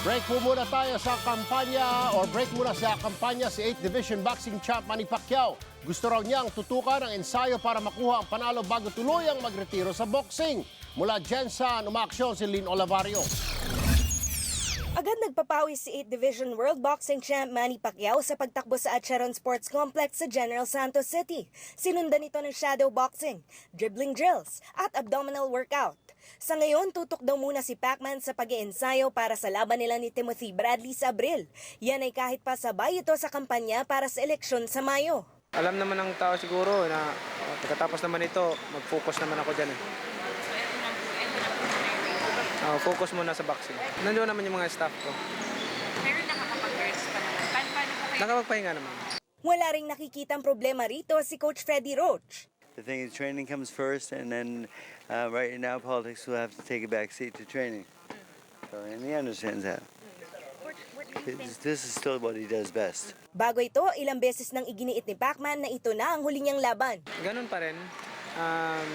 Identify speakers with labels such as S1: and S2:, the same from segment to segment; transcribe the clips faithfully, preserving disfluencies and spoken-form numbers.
S1: Break po muna tayo sa kampanya or break muna sa kampanya si eighth Division Boxing Champ Manny Pacquiao. Gusto raw niyang tutukan ang ensayo para makuha ang panalo bago tuluyang magretiro sa boxing. Mula Jensen, umaaksyon si Lynn Olivario.
S2: Agad nagpapawis si eighth Division World Boxing Champ Manny Pacquiao sa pagtakbo sa Acheron Sports Complex sa General Santos City. Sinundan ito ng shadow boxing, dribbling drills at abdominal workout. Sa ngayon, tutok daw muna si Pacman sa pag-iensayo para sa laban nila ni Timothy Bradley sa Abril. Yan ay kahit pa sabay ito sa kampanya para sa eleksyon sa Mayo.
S3: Alam naman ng tao siguro na uh, pagkatapos naman ito, mag-focus naman ako dyan. Eh. Uh, focus muna sa boxing. Nandiyo naman yung mga staff ko.
S4: Pero nakakapag-rest pa naman. Paano, paano po kayo?
S3: Nakapagpahinga naman.
S2: Wala ring nakikitang problema rito si Coach Freddie Roach.
S5: The thing is, training comes first, and then uh, right now, politics will have to take a back seat to training. So, and he understands that.
S4: What, what do you think?
S5: This is still what he does best.
S2: Bago ito, ilang beses nang iginiit ni Pacman na ito na ang huli niyang laban.
S3: Ganun pa rin. Um,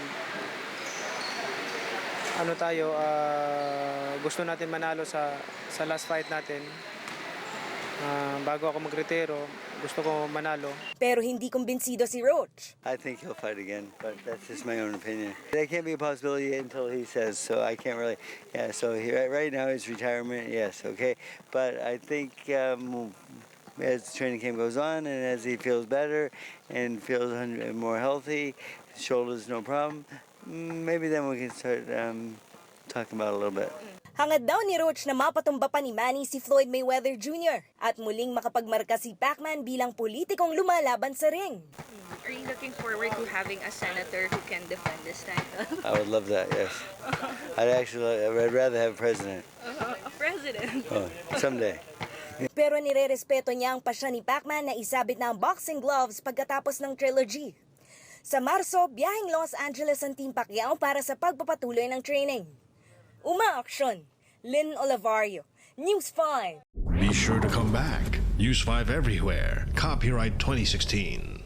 S3: ano tayo, uh, gusto natin manalo sa, sa last fight natin. Uh, bago ako magretiro, gusto ko manalo.
S2: Pero hindi kumbinsido si Roach.
S5: I think he'll fight again, but that's just my own opinion. That can't be a possibility until he says, so I can't really, yeah, so he, right now his retirement, yes, okay. But I think um, as training camp goes on and as he feels better and feels more healthy, shoulders no problem, maybe then we can start um, talking about it a little bit.
S2: Hangad daw ni Roach na mapatumba pa ni Manny si Floyd Mayweather Junior at muling makapagmarka si Pacman bilang politikong lumalaban sa ring.
S4: Are you looking forward to having a senator who can defend this title?
S5: I would love that, yes. I'd actually, I'd rather have a president.
S4: Uh, a president?
S5: Oh, someday.
S2: Pero nirerespeto niya ang pasya ni Pacman na isabit na ang boxing gloves pagkatapos ng trilogy. Sa Marso, biyaheng Los Angeles ang Team Pacquiao para sa pagpapatuloy ng training. Umaaksyon, Lynn Olivario, News five.
S6: Be sure to come back. News five everywhere. Copyright twenty sixteen.